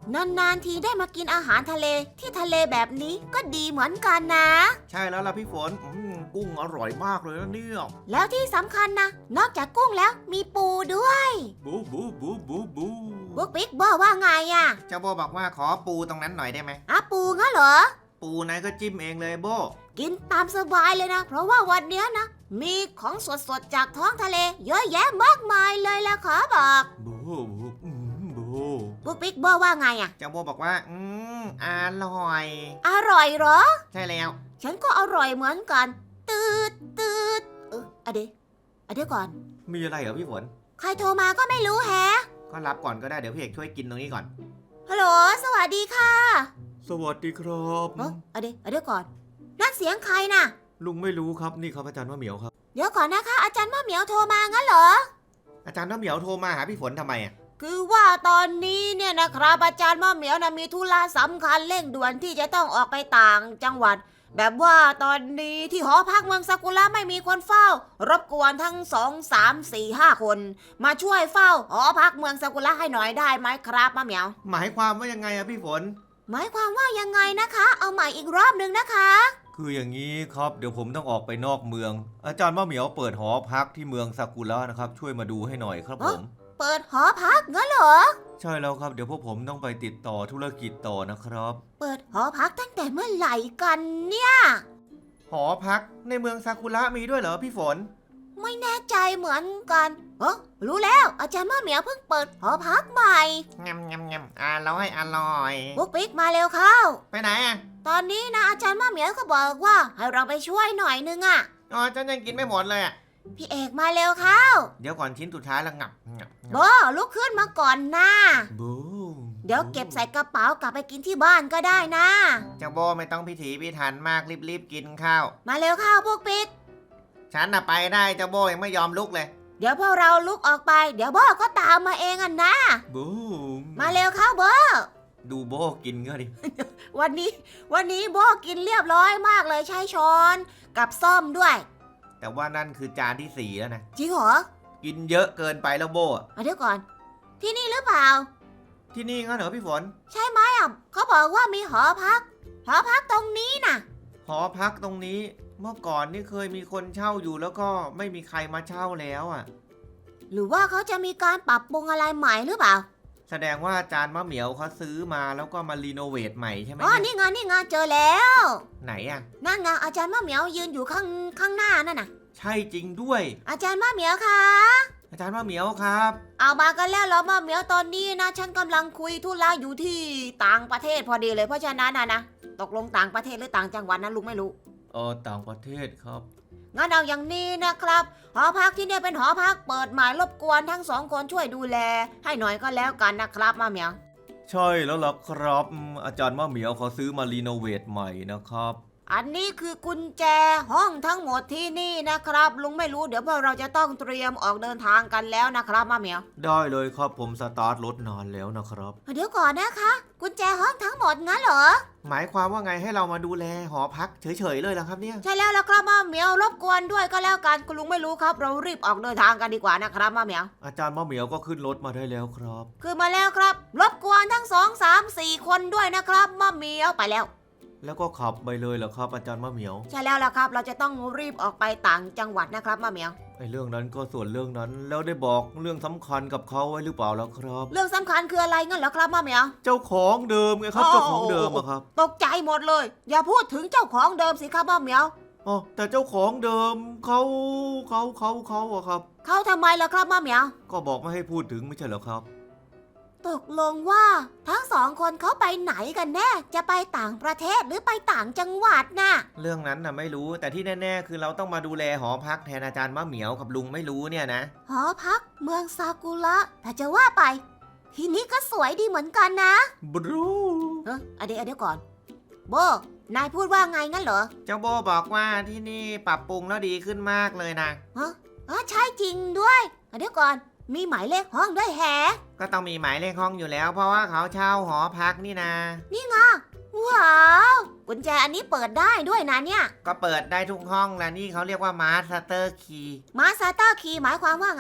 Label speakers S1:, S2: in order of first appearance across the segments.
S1: นานๆทีได้มากินอาหารทะเลที่ทะเลแบบนี้ก็ดีเหมือนกันนะ
S2: ใช่แล้วล่ะพี่ฝนกุ้งอร่อยมากเลยนะเนี่ย
S1: แล้วที่สำคัญนะนอกจากกุ้งแล้วมีปูด้วย
S2: บูบูบูบูบู
S1: บุ๊กปิ๊กบอกว่าไงอะ
S2: เจ้าโบบอกว่าขอปูตรงนั้นหน่อยได้ไหม
S1: ปูงั้นเหรอ
S2: ปูนายก็จิ้มเองเลยโบ
S1: กินตามสบายเลยนะเพราะว่าวันเนี้ยนะมีของสดๆจากท้องทะเลเยอะแยะมากมายเลยล่ะขอบอก
S2: บูบูบู
S1: บุ๊กปิ๊กบอกว่าไงอะ
S2: เจ้าโบบอกว่าอร่อย
S1: อร่อยเหรอ
S2: ใช่แล้ว
S1: ฉันก็อร่อยเหมือนกันตืดอะเดี๋ยวก่อน
S2: มีอะไรเหรอพี่ฝน
S1: ใครโทรมาก็ไม่รู้แฮะ
S2: ก็รับก่อนก็ได้เดี๋ยวพี่เอกช่วยกินตรงนี้ก่อน
S1: ฮัลโหลสวัสดีค่ะ
S2: สวัสดีครับ
S1: อะเดี๋ยวก่อนนั่นเสียงใครน่ะ
S2: ลุงไม่รู้ครับนี่ครับอาจารย์มะเหมียวครับ
S1: เดี๋ยวก่อนนะคะอาจารย์มะเหมียวโทรมางั้นเหรอ
S2: อาจารย์มะเหมียวโทรมาหาพี่ฝนทำไมอ่ะ
S1: คือว่าตอนนี้เนี่ยนะครับอาจารย์มะเหมียวนะมีธุระสำคัญเร่งด่วนที่จะต้องออกไปต่างจังหวัด แบบว่าตอนนี้ที่หอพักเมืองซากุระไม่มีคนเฝ้ารบกวนทั้ง2 3 4 5 คน มาช่วยเฝ้าหอพักเมืองซากุระให้หน่อยได้ไหมครับมะเหมียว
S2: หมายความว่ายังไงอะพี่ฝน
S1: หมายความว่ายังไงนะคะ เอาใหม่อีกรอบหนึ่งนะคะ
S2: คืออย่างนี้ครับเดี๋ยวผมต้องออกไปนอกเมือง อาจารย์มะเหมียวเปิดหอพักที่เมืองซากุระนะครับช่วยมาดูให้หน่อยครับผม
S1: เปิดหอพักงั้นเหรอ
S2: ใช่แล้วครับเดี๋ยวพวกผมต้องไปติดต่อธุรกิจต่อนะครับ
S1: เปิดหอพักตั้งแต่เมื่อไหร่กันเนี่ย
S2: หอพักในเมืองซากุระมีด้วยเหรอพี่ฝน
S1: ไม่แน่ใจเหมือนกันรู้แล้วอาจารย์มะเหมียวเพิ่งเปิดหอพักใหม่
S2: งำงำงำอร่อย
S1: บุ๊กปิ๊กมาเร็วเข้า
S2: ไปไหนอ่ะ
S1: ตอนนี้นะอาจารย์มะเหมียวก็บอกว่าให้เราไปช่วยหน่อยนึงอะ
S2: อ๋อฉันยังกินไม่หมดเลยอ่ะ
S1: พี่เอกมาเร็วเข้า
S2: เดี๋ยวก่อนชิ้นสุดท้ายแล้วงับ
S1: โบลุกขึ้นมาก่อนนะ
S2: บูม
S1: เดี๋ยวเก็บใส่กระเป๋ากลับไปกินที่บ้านก็ได้นะ
S2: เจ้าโบไม่ต้องพิถีพิถันมากรีบกินข้าว
S1: มาเร็วเข้าบุ๊กปิ๊ก
S2: ฉันน่ะไปได้เจ้าโบยังไม่ยอมลุกเลย
S1: เดี๋ยวพวกเราลุกออกไปเดี๋ยวโบก็ตามมาเองอะนะ
S2: บูม
S1: มาเร็วเข้าโบ
S2: ดูโบกินก็ดิ
S1: วันนี้โบกินเรียบร้อยมากเลยใช้ช้อนกับซ่อมด้วย
S2: แต่ว่านั่นคือจานที่4แล้วนะ
S1: จริงเหรอ
S2: กินเยอะเกินไปแล้วโบอะ
S1: เดี๋ยวก่อน ที่นี่หรือเปล่า
S2: ที่นี่งั้นเหรอพี่ฝน
S1: ใช่ไหมอ่ะเขาบอกว่ามีหอพักตรงนี้น่ะ
S2: หอพักตรงนี้เมื่อก่อนนี่เคยมีคนเช่าอยู่แล้วก็ไม่มีใครมาเช่าแล้วอ่ะ
S1: หรือว่าเขาจะมีการปรับปรุงอะไรใหม่หรือเปล่า
S2: แสดงว่าอาจารย์มะเหมียวเขาซื้อมาแล้วก็มารีโนเวทใหม่ใช่ไหม
S1: อ๋อ
S2: เนี่ย
S1: นี่ไงเจอแล้ว
S2: ไหนอ่ะ
S1: นั่นไงอาจารย์มะเหมียวยืนอยู่ข้างหน้านั่นน่ะ
S2: ใช่จริงด้วย
S1: อาจารย์มะเหมียวคะ
S2: อาจารย์มะเหมียวครับ
S1: เอามากันแล้วเหรอมะเหมียวตอนนี้นะฉันกำลังคุยธุระอยู่ที่ต่างประเทศพอดีเลยเพราะฉะนั้นนะตกลงต่างประเทศหรือต่างจังหวัดนั้นลุงไม่รู้
S2: ต่างประเทศครับ
S1: งั้นเอาอย่างนี้นะครับ หอพักที่เนี่ยเป็นหอพักเปิดใหม่รบกวนทั้งสองคนช่วยดูแล ให้หน่อยก็แล้วกันนะครับมะเหมียว
S2: ใช่แล้วล่ะครับอาจารย์มะเหมียวเขาซื้อมารีโนเวทใหม่นะครับ
S1: อันนี้คือกุญแจห้องทั้งหมดที่นี่นะครับ ลุงไม่รู้เดี๋ยวพวกเราจะต้องเตรียมออกเดินทางกันแล้วนะครับมะเหมียว
S2: ได้เลยครับผมสตาร์ทรถนานแล้วนะครับ
S1: เดี๋ยวก่อนนะคะ กุญแจห้องทั้งหมดงั้นเหรอ
S2: หมายความว่าไงให้เรามาดูแลหอพักเฉยๆเลยเหรอครับเนี่ย
S1: ใช่แล้วล่ะครับมะเหมียวรบกวนด้วยก็แล้วกันคุณลุงไม่รู้ครับ เรารีบออกเดินทางกันดีกว่านะครับมะเหมียว
S2: อาจารย์มะเหมียวก็ขึ้นรถมาได้แล้วครับ
S1: คือมาแล้วครับ รบกวนทั้ง2 3 4 คนด้วยนะครับมะเหมียวไปแล้ว
S2: แล้วก็ขับไปเลยเหรอครับอาจารย์มะเหมียว
S1: ใช่แล้วล่ะครับ เราจะต้องรีบออกไปต่างจังหวัดนะครับมะเหมียว
S2: ไอ้เรื่องนั้นก็ส่วนเรื่องนั้นแล้วได้บอกเรื่องสำคัญกับเขาไว้หรือเปล่าแล้วครับ
S1: เรื่องสำคัญคืออะไรงั้นเหรอครับมะเหมียว
S2: เจ้าของเดิมไงครับเจ้าของเดิมอะครับ
S1: ตกใจหมดเลย อย่าพูดถึงเจ้าของเดิมสิครับมะเหมียว
S2: อ๋อแต่เจ้าของเดิมเขาอะครับ
S1: เขาทำไมล่ะครับมะเหมียว
S2: ก็บอกไม่ให้พูดถึงไม่ใช่เหรอครับ
S1: ตกลงว่าทั้งสองคนเขาไปไหนกันแน่จะไปต่างประเทศหรือไปต่างจังหวัดน่ะ
S2: เรื่องนั้นน่ะไม่รู้แต่ที่แน่ๆคือเราต้องมาดูแลหอพักแทนอาจารย์มะเหมียวกับลุงไม่รู้เนี่ยนะ
S1: หอพักเมืองซากุระแต่จะว่าไป ที่นี่ก็สวยดีเหมือนกันนะ
S2: บรู
S1: เดี๋ยวก่อน โบ นายพูดว่าไงงั้นเหรอ
S2: เจ้าโบบอกว่าที่นี่ปรับปรุงแล้วดีขึ้นมากเลยนะ
S1: ใช่จริงด้วยเดี๋ยวก่อน มีหมายเลขห้องด้วยแฮะ
S2: ก็ต้องมีหมายเลขห้องอยู่แล้ว เพราะว่าเขาเช่าหอพักนี่นะ
S1: ว้าว กุญแจอันนี้เปิดได้ด้วยนะเนี่ย
S2: ก็เปิดได้ทุกห้องแล้วนี่เขาเรียกว่ามาสเตอร์คีย์
S1: มาสเตอร์คีย์หมายความว่าไง
S2: ก็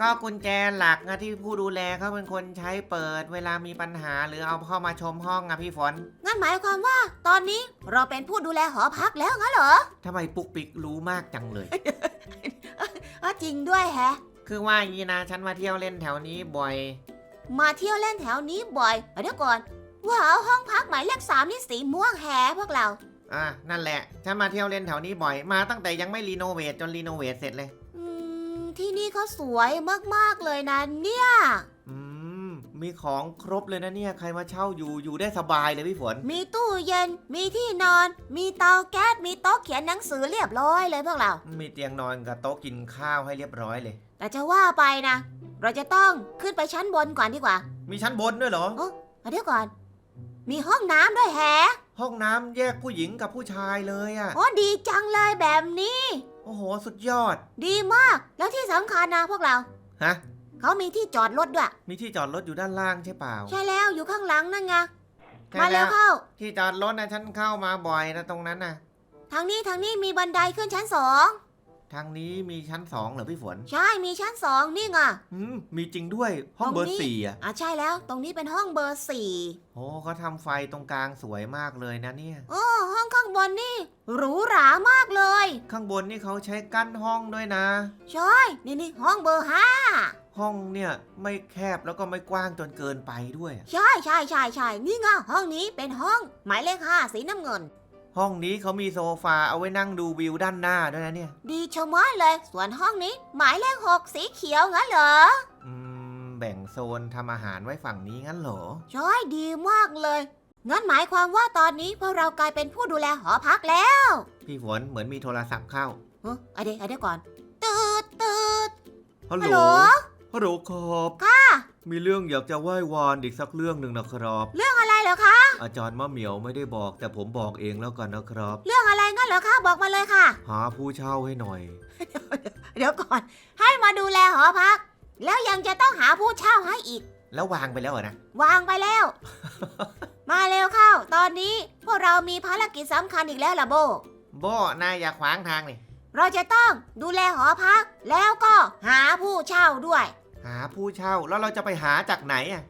S3: ก็กุญแจหลักนะที่ผู้ดูแลเขาเป็นคนใช้เปิดเวลามีปัญหาหรือเอาเข้ามาชมห้องอะพี่ฝน
S1: งั้นหมายความว่าตอนนี้เราเป็นผู้ดูแลหอพักแล้วงั้นเหรอ
S3: ทำไมปุ๊กปิ๊กรู้มากจังเลย
S1: จริงด้วยแฮะ
S3: คือว่าอย่างนี้นะฉันมาเที่ยวเล่นแถวนี้บ่อย
S1: มาเที่ยวเล่นแถวนี้บ่อยเดี๋ยวก่อนว้าวห้องพักหมายเลข3นี่สีม่วงแฮะพวกเรา
S3: นั่นแหละฉันมาเที่ยวเล่นแถวนี้บ่อยมาตั้งแต่ยังไม่รีโนเวทจนรีโนเวทเสร็จเลย
S1: ที่นี่เขาสวยมากๆเลยนะเนี่ย
S3: มีของครบเลยนะเนี่ยใครมาเช่าอยู่ได้สบายเลยพี่ฝน
S1: มีตู้เย็น มีที่นอน มีเตาแก๊ส มีโต๊ะเขียนหนังสือเรียบร้อยเลยพวกเรา
S3: มีเตียงนอนกับโต๊ะกินข้าวให้เรียบร้อยเลย
S1: แต่จะว่าไปนะ เราจะต้องขึ้นไปชั้นบนก่อนดีกว่า
S3: มีชั้นบนด้วยเหรอ
S1: เดี๋ยวก่อน มีห้องน้ำด้วยแฮะ
S3: ห้องน้ำแยกผู้หญิงกับผู้ชายเลยอะ
S1: โอ้ดีจังเลยแบบนี้
S3: โอ้โหสุดยอด
S1: ดีมาก แล้วที่สำคัญนะพวกเรา
S3: ฮะ
S1: เขามีที่จอดรถด้วย
S3: มีที่จอดรถอยู่ด้านล่างใช่เปล่า
S1: ใช่แล้วอยู่ข้างหลังนั่นไง
S3: ใช่
S1: มา
S3: แล้
S1: แล้ว
S3: ว
S1: เข้า
S3: ที่จอดรถนะฉันเข้ามาบ่อยนะตรงนั้นนะ
S1: ทางนี้มีบันไดขึ้นชั้น2
S3: ทางนี้มีชั้น2เหรอพี่ฝน
S1: ใช่มีชั้น2นี่ไง
S3: มีจริงด้วยห้องเบอ
S1: ตรงนี้
S3: ร์4อ่ะ
S1: ใช่แล้วตรงนี้เป็นห้องเบอร์4
S3: โอ้เขาทำไฟตรงกลางสวยมากเลยนะเนี่ย
S1: โอ้ห้องข้างบนนี่หรูหรามากเลย
S3: ข้างบนนี่เขาใช้กั้นห้องด้วยนะ
S1: ใช่นี่ห้องเบอร์5
S3: ห้องเนี่ยไม่แคบแล้วก็ไม่กว้างจนเกินไปด้วย
S1: ใช่นี่ไงห้องนี้เป็นห้องหมายเลข5สีน้ำเงิน
S3: ห้องนี้เขามีโซฟาเอาไว้นั่งดูวิวด้านหน้าด้วยนะเนี่ย
S1: ดีชะมัดเลย ส่วนห้องนี้หมายเลข6สีเขียวงั้นเหรอ
S3: แบ่งโซนทำอาหารไว้ฝั่งนี้งั้นเหรอ
S1: ใช่ดีมากเลยงั้นหมายความว่าตอนนี้พวกเรากลายเป็นผู้ดูแลหอพักแล้ว
S3: พี่ฝนเหมือนมีโทรศัพท์เข้า
S1: เดี๋ยวก่อนตืด
S3: ฮัล
S1: ฮัล
S3: โห
S1: โห
S3: ล
S1: ล
S3: ฮัลโหลครับ
S1: ค่ะ
S3: มีเรื่องอยากจะไหว้วานอีกสักเรื่องหนึ่งนะครับ
S1: เรื่องอะไรเหรอคะ
S3: อาจารย์มะเหมียวไม่ได้บอกแต่ผมบอกเองแล้วกันนะครับ
S1: เรื่องอะไรงั้นเหรอคะบอกมาเลยค่ะ
S3: หาผู้เช่าให้หน่อย
S1: เดี๋ยวก่อน ให้มาดูแลหอพัก แล้วยังจะต้องหาผู้เช่าให้อีก
S3: แล้ววางไปแล้วเหรอนะ
S1: วางไปแล้ว มาเร็วเข้า ตอนนี้พวกเรามีภารกิจสำคัญอีกแล้วล่ะโบ
S3: โบนายอย่าขวางทางนี่
S1: เราจะต้องดูแลหอพัก แล้วก็หาผู้เช่าด้วย
S3: หาผู้เช่าแล้วเราจะไปหาจากไหนอ่ะ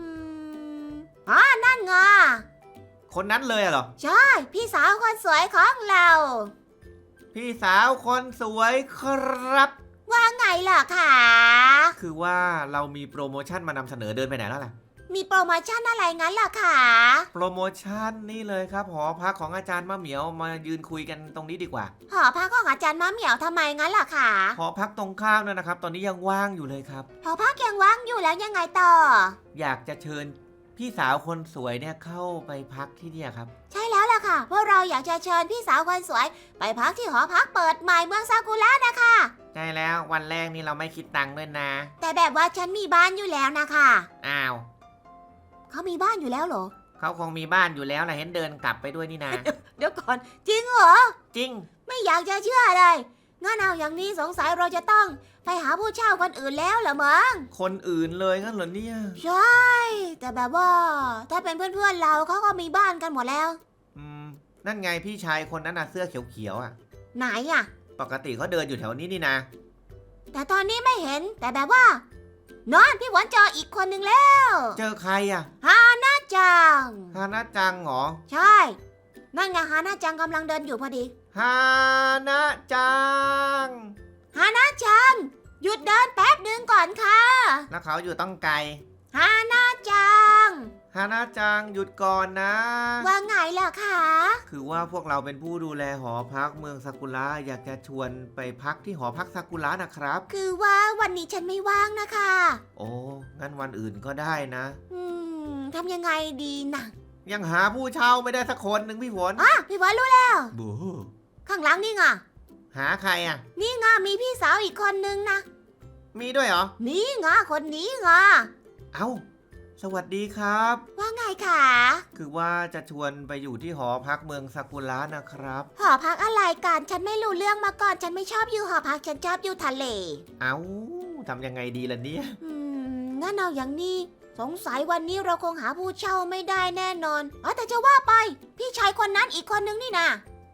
S1: นั่นไง
S3: คนนั้นเลยเหรอ
S1: ใช่ พี่สาวคนสวยของเรา
S3: พี่สาวคนสวยครับ
S1: ว่าไงล่ะคะ
S3: คือว่าเรามีโปรโมชั่นมานำเสนอเดินไปไหนแล้วล่ะ
S1: มีโปรโมชั่นอะไรงั้นล่ะคะ
S3: โปรโมชั่นนี่เลยครับหอพักของอาจารย์มะเหมียวมายืนคุยกันตรงนี้ดีกว่า
S1: หอพักของอาจารย์มะเหมียวทำไมงั้นล่ะคะ
S3: หอพักตรงข้ามนั่นนะครับ ตอนนี้ยังว่างอยู่เลยครับ
S1: หอพักยังว่างอยู่แล้วยังไงต่อ
S3: อยากจะเชิญพี่สาวคนสวยเนี่ยเข้าไปพักที่เนี่ยครับ
S1: ใช่แล้วล่ะค่ะพวกเราอยากจะเชิญพี่สาวคนสวย ไปพักที่หอพักเปิดใหม่เมืองซากุระนะคะ
S3: ใช่แล้ววันแรกนี่เราไม่คิดตังค์ด้วยนะ
S1: แต่แบบว่าฉันมีบ้านอยู่แล้วนะคะ
S3: อ้าว
S1: เขามีบ้านอยู่แล้วเหรอ
S3: เขาคงมีบ้านอยู่แล้วแหละเห็นเดินกลับไปด้วยนี่นะ
S1: เดี๋ยวก่อนจริงเหรอ
S3: จริง
S1: ไม่อยากจะเชื่อเลยงั้นเอาอย่างนี้สงสัยเราจะต้องไปหาผู้เช่าคนอื่นแล้วเหรอมั้ง
S3: คนอื่นเลยงั้นเหรอเนี่ย
S1: ใช่ แต่แบบว่าถ้าเป็นเพื่อนๆเราเขาก็มีบ้านกันหมดแล้ว
S3: นั่นไงพี่ชายคนนั้นน่ะเสื้อเขียวๆอ่ะ
S1: ไหนอะ
S3: ปกติเขาเดินอยู่แถวนี้นี่นะ
S1: แต่ตอนนี้ไม่เห็นแต่แบบว่านอนพี่หวนเจออีกคนนึงแล้ว
S3: เจอใครอ่ะ
S1: น่าจัง
S3: ฮานาจังเหรอ
S1: ใช่ นั่นไงฮาน่าจังกำลังเดินอยู่พอดี
S3: ฮานาจัง
S1: ฮาน่าจัง หยุดเดินแป๊บหนึ่งก่อนค่ะ
S3: แล้วเขาอยู่ต้องไกล
S1: ฮาน่าจัง
S3: ฮานาจังหยุดก่อนนะ
S1: ว่าไงล่ะคะ
S3: คือว่าพวกเราเป็นผู้ดูแลหอพักเมืองซากุระอยากจะชวนไปพักที่หอพักซากุระนะครับ
S1: คือว่าวันนี้ฉันไม่ว่างนะคะ
S3: โอ้งั้นวันอื่นก็ได้นะ
S1: ทำยังไงดีนะ
S3: ยังหาผู้เช่าไม่ได้สักคนหนึ่งพี่ฝน
S1: พี่หวนรู้แล้ว
S3: บู
S1: ข้างหลังนี่ไง
S3: หาใครอ่ะ
S1: นี่ไงมีพี่สาวอีกคนนึงนะ
S3: มีด้วยเหรอ
S1: นี่ไงคนนี้ไง
S3: เอ้า สวัสดีครับ
S1: ว่าไงคะ
S3: คือว่าจะชวนไปอยู่ที่หอพักเมืองซากุระนะครับ
S1: หอพักอะไรกันฉันไม่รู้เรื่องมาก่อน ฉันไม่ชอบอยู่หอพักฉันชอบอยู่ทะเล
S3: เอ้าทำยังไงดีล่ะเนี่ย
S1: งั้นเอาอย่างนี้สงสัยวันนี้เราคงหาผู้เช่าไม่ได้แน่นอนแต่จะว่าไป พี่ชายคนนั้นอีกคนนึงนี่นะ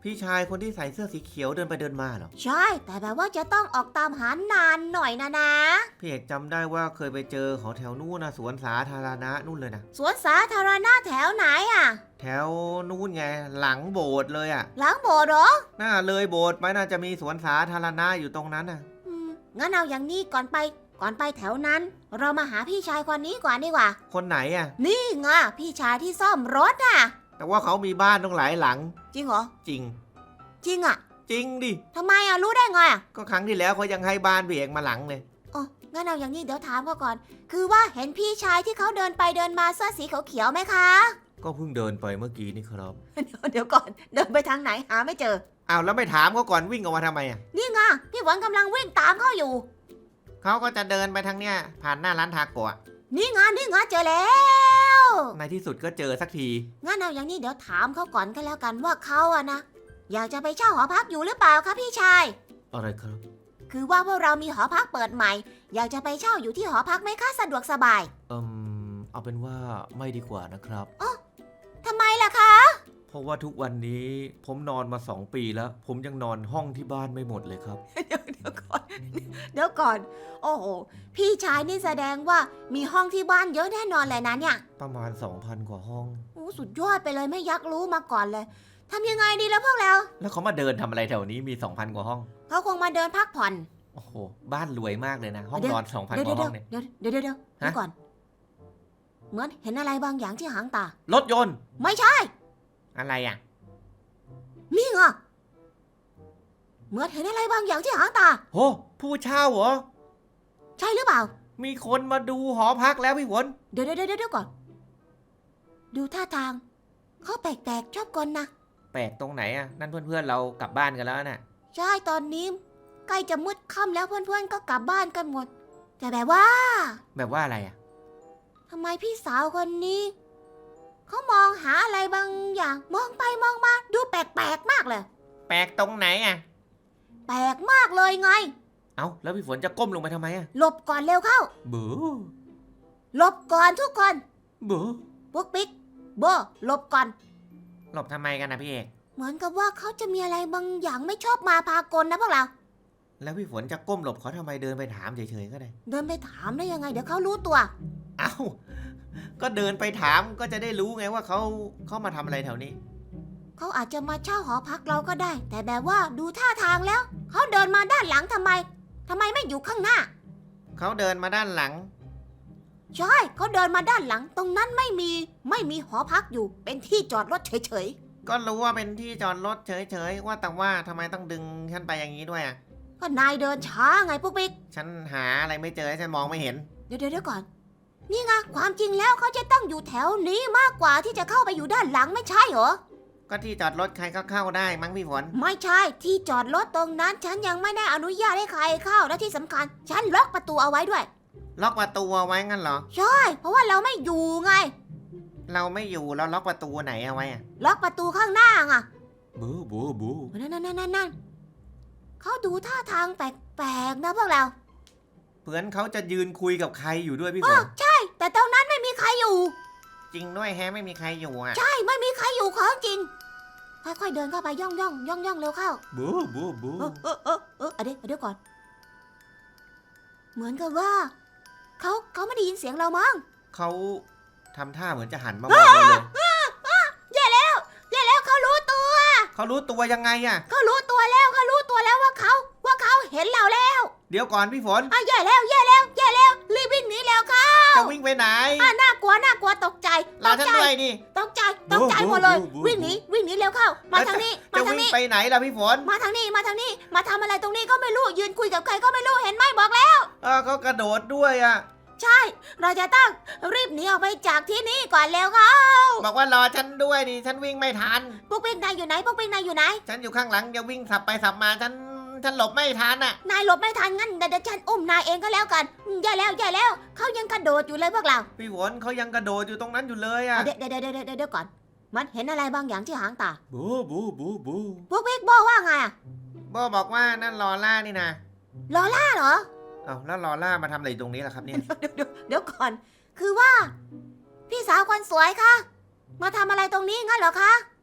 S3: พี่ชายคนที่ใส่เสื้อสีเขียวเดินไปเดินมาเหรอ
S1: ใช่ แต่แบบว่าจะต้องออกตามหานานหน่อยนะ
S3: พี่เอกจำได้ว่าเคยไปเจอของแถวนู้นนะสวนสาธารณะนู่นเลยนะ
S1: สวนสาธารณะแถวไหนอ่ะ
S3: แถวนู้นไงหลังโบสถ์เลยอะ
S1: หลังโบสถ์เหรอ
S3: น่าเลยโบสถ์ไปน่าจะมีสวนสาธารณะอยู่ตรงนั้นน่ะ
S1: งั้นเอาอย่างนี้ก่อนไปแถวนั้น เรามาหาพี่ชายคนนี้ก่อนดีกว่า
S3: คนไหนอะ
S1: นี่ไงพี่ชายที่ซ่อมรถอ่ะ
S3: แต่ว่าเขามีบ้านต้องหลายหลัง
S1: จริงเหรอ
S3: จริง
S1: จริงอ่ะ
S3: จริงดิ
S1: ทำไมอ่ะรู้ได้ไงอ่ะ
S3: ก็ครั้งที่แล้วเขายังให้บ้านพี่เอกมาหลังเลย
S1: อ๋องั้นเอาอย่างนี้เดี๋ยวถามเขาก่อน คือว่าเห็นพี่ชายที่เขาเดินไปเดินมาเสื้อสีเขียวๆไหมคะ
S2: ก็เพิ่งเดินไปเมื่อกี้นี่ครับ
S1: เดี๋ยวก่อนเดินไปทางไหนหาไม่เจอ
S3: อ้าวแล้วไม่ถามเขาก่อนวิ่งออกมาทำไมอะ
S1: นี่ไงพี่หวันกำลังวิ่งตามเขาอยู่
S3: เขาก็จะเดินไปทางเนี้ยผ่านหน้าร้านทาโกะ
S1: นี่ไงเจอแล้ว
S3: ในที่สุดก็เจอสักที
S1: งั้นเอาอย่างนี้เดี๋ยวถามเขาก่อนก็แล้วกันว่าเขาอะนะอยากจะไปเช่าหอพักอยู่หรือเปล่าคะพี่ชาย
S2: อะไรครับ
S1: คือว่าพวกเรามีหอพักเปิดใหม่ อยากจะไปเช่าอยู่ที่หอพักไหมคะสะดวกสบาย
S2: เอาเป็นว่าไม่ดีกว่านะครับ
S1: ทำไมล่ะคะ
S2: เพราะว่าทุกวันนี้ผมนอนมา2 ปีแล้ว ผมยังนอนห้องที่บ้านไม่หมดเลยครับ
S1: เดี๋ยวก่อน โอ้โหพี่ชายนี่แสดงว่ามีห้องที่บ้านเยอะแน่นอนเลยนะเนี่ย
S2: ประมาณ 2,000 กว่าห้อง
S1: โอ้สุดยอดไปเลยไม่ยักรู้มาก่อนเลยทำยังไงดีแล้วพวกเรา
S3: แล้วเขามาเดินทำอะไรแถวนี้มี 2,000 กว่าห้อง
S1: เขาคงมาเดินพักผ่อน
S3: โอ้โหบ้านรวยมากเลยนะ ห้อง
S1: เดี๋ยว
S3: นอน 2,000
S1: เดี๋ยว
S3: กว่าห้องเนี่ย
S1: เดี๋ยวก่อน เหมือนเห็นอะไรบางอย่างที่หางตา
S3: รถยนต์
S1: ไม่ใช่
S3: อะไรอ่ะ
S1: นี่ไงเหมือนเห็นอะไรบางอย่างที่หางตา
S3: โหผู้เช่าเหรอ
S1: ใช่หรือเปล่า
S3: มีคนมาดูหอพักแล้วพี่ฝน
S1: เดี๋ยวก่อน ดูท่าทางเขาแปลกๆชอบกลนะ
S3: แปลกตรงไหนอ่ะ นั่นเพื่อนๆเรากลับบ้านกันแล้วน่ะ
S1: ใช่ตอนนี้ใกล้จะมืดค่ำแล้วเพื่อนๆก็กลับบ้านกันหมด แต่แบบว่า
S3: แบบว่าอะไรอ่ะ
S1: ทำไมพี่สาวคนนี้เขามองหาอะไรบางอย่างมองไปมองมาดูแปลกๆมากเลย
S3: แปลกตรงไหนอ่ะ
S1: แปลกมากเลยไง
S3: เอ้าแล้วพี่ฝนจะก้มลงไปทำไมอ่ะ
S1: หลบก่อนเร็วเข้า
S3: เบ้อ
S1: หลบก่อนทุกคน
S3: เบ้อ
S1: ปุ๊กปิ๊กโบหลบก่อน
S3: หลบทำไมกันนะพี่เอก
S1: เหมือนกับว่าเขาจะมีอะไรบางอย่างไม่ชอบมาพากลนะพวกเรา
S3: แล้วพี่ฝนจะก้มหลบเขาทำไมเดินไปถามเฉยๆก็ได้
S1: เดินไปถามได้ยังไง เดี๋ยวเขารู้ตัว
S3: เอ้า ก็เดินไปถามก็จะได้รู้ไงว่าเขามาทำอะไรแถวนี้
S1: เขาอาจจะมาเช่าหอพักเราก็ได้ แต่แบบว่าดูท่าทางแล้ว เขาเดินมาด้านหลังทำไมไม่อยู่ข้างหน้า
S3: เขาเดินมาด้านหลัง
S1: ใช่เขาเดินมาด้านหลัง ตรงนั้นไม่มีหอพักอยู่ เป็นที่จอดรถเฉย
S3: ก็รู้ว่าเป็นที่จอดรถเฉยๆว่าแต่ว่าทำไมต้องดึงฉันไปอย่างนี้ด้วยอ่ะ
S1: ๆก็นายเดินช้าไงปุ๊กปิ๊ก
S3: ฉันหาอะไรไม่เจอฉันมองไม่เห็น
S1: เดี๋ยวก่อน นี่ไงความจริงแล้วเขาจะต้องอยู่แถวนี้มากกว่าที่จะเข้าไปอยู่ด้านหลังไม่ใช่เหรอ
S3: ก็ที่จอดรถใครก็เข้าได้มั้งพี่ฝน
S1: ไม่ใช่ที่จอดรถตรงนั้น ฉันยังไม่ได้อนุญาตให้ใครเข้าและที่สำคัญ ฉันล็อกประตูเอาไว้ด้วย
S3: ล็อกประตูเอาไว้งั้นเหรอ
S1: ใช่ เพราะว่าเราไม่อยู่ไง
S3: เราไม่อยู่เราล็อกประตูไหนเอาไว้อะ
S1: ล็อกประตูข้างหน้าไง
S2: บูบูบู
S1: นั่นเขาดูท่าทางแปลกๆนะพวกเรา
S3: เพื่อนเขาจะยืนคุยกับใครอยู่ด้วยพี่ฝน
S1: ใช่ แต่ตรงนั้นไม่มีใครอยู่
S3: จริงด้วยแฮะไม่มีใครอยู่อ่ะ
S1: ใช่ไม่มีใครอยู่ของจริง ค่อยๆเดินเข้าไปย่องเร็วเข้า
S2: บูบูบู
S1: เดี๋ยวก่อน เหมือนกับว่าเขาไม่ได้ยินเสียงเรามั้ง
S3: เขาทำท่าเหมือนจะหันมามองเราเลย
S1: แย่แล้วเขารู้ตัว
S3: เขารู้ตัวยังไงอ่ะ
S1: เขารู้ตัวแล้วว่าเขาเห็นเราแล้ว
S3: เดี๋ยวก่อนพี่ฝน
S1: แย่แล้วรีบวิ่งหนีแล้วค่ะ
S3: จะวิ่งไปไหน
S1: น่ากลัวตกใจ
S3: รอฉันด้วยดิ
S1: ตกใจหมดเลย วิ่งหนีเร็วเข้า มาทางนี้
S3: จะวิ่งไปไหนล่ะพี่ฝน
S1: มาทางนี้ มาทำอะไรตรงนี้ก็ไม่รู้ ยืนคุยกับใครก็ไม่รู้ เห็นไหมบอกแล้ว
S3: เขากระโดดด้วยอ่ะ
S1: ใช่ เราจะต้องรีบหนีออกไปจากที่นี่ก่อนแล้วค่ะ
S3: บอกว่ารอฉันด้วยดิ ฉันวิ่งไม่ทัน
S1: ปุ๊กปิ๊กนายอยู่ไหน
S3: ฉันอยู่ข้างหลังจะวิ่งสับไปสับมา ฉันหลบไม่ทันอ่ะ
S1: นายหลบไม่ทันงั้นเดี๋ยวฉันอุ้มนายเองก็แล้วกันแย่แล้วเขายังกระโดดอยู่เลยพวกเรา
S3: พี่ฝนเขายังกระโดดอยู่ตรงนั้นอยู่เลยอ่ะ
S1: เดี๋ยวก่อน มันเห็นอะไรบางอย่างที่หางตา
S2: บูบูบูบู
S1: ปุ๊กปิ๊กบอกว่าไงอะ
S3: โบบอกว่านั่นลอล่านี่นะ
S1: ลอล่าเหรอ
S3: เอ้าแล้วลอล่ามาทำอะไรอยู่ตรงนี้ล่ะครับเนี่ย
S1: เดี๋ยวก่อน คือว่า พี่สาวคนสวยคะมาทำอะไรตรงนี้งั้นเหรอคะ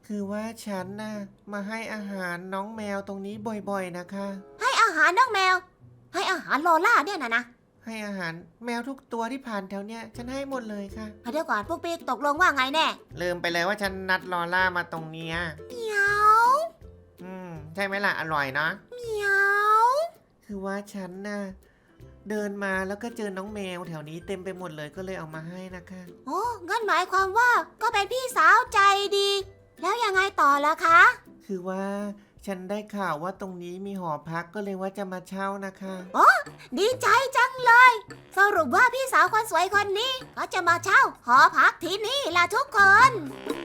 S3: คือว่าฉันน่ะมาให้อาหารน้องแมวตรงนี้บ่อยๆนะคะ
S1: ให้อาหารน้องแมว ให้อาหารโลล่าเนี่ยนะ
S3: ให้อาหารแมวทุกตัวที่ผ่านแถวเนี้ยฉันให้หมดเลยค่ะ
S1: เดี๋ยวก่อนพวกปิ๊กตกลงว่าไงแน่
S3: ลืมไปเลยว่าฉันนัดลอล่ามาตรงเนี้ย
S1: เหมียว
S3: ใช่ไหมล่ะอร่อยเนาะ
S1: เหมียว
S3: คือว่าฉันน่ะเดินมาแล้วก็เจอน้องแมวแถวนี้เต็มไปหมดเลยก็เลยเอามาให้นะคะ
S1: โอ้งั้นหมายความว่าก็เป็นพี่สาวใจดี แล้วยังไงต่อล่ะคะ
S3: คือว่าฉันได้ข่าวว่าตรงนี้มีหอพักก็เลยว่าจะมาเช่านะคะ
S1: ดีใจจังเลย สรุปว่าพี่สาวคนสวยคนนี้ก็จะมาเช่าหอพักที่นี่ล่ะทุกคน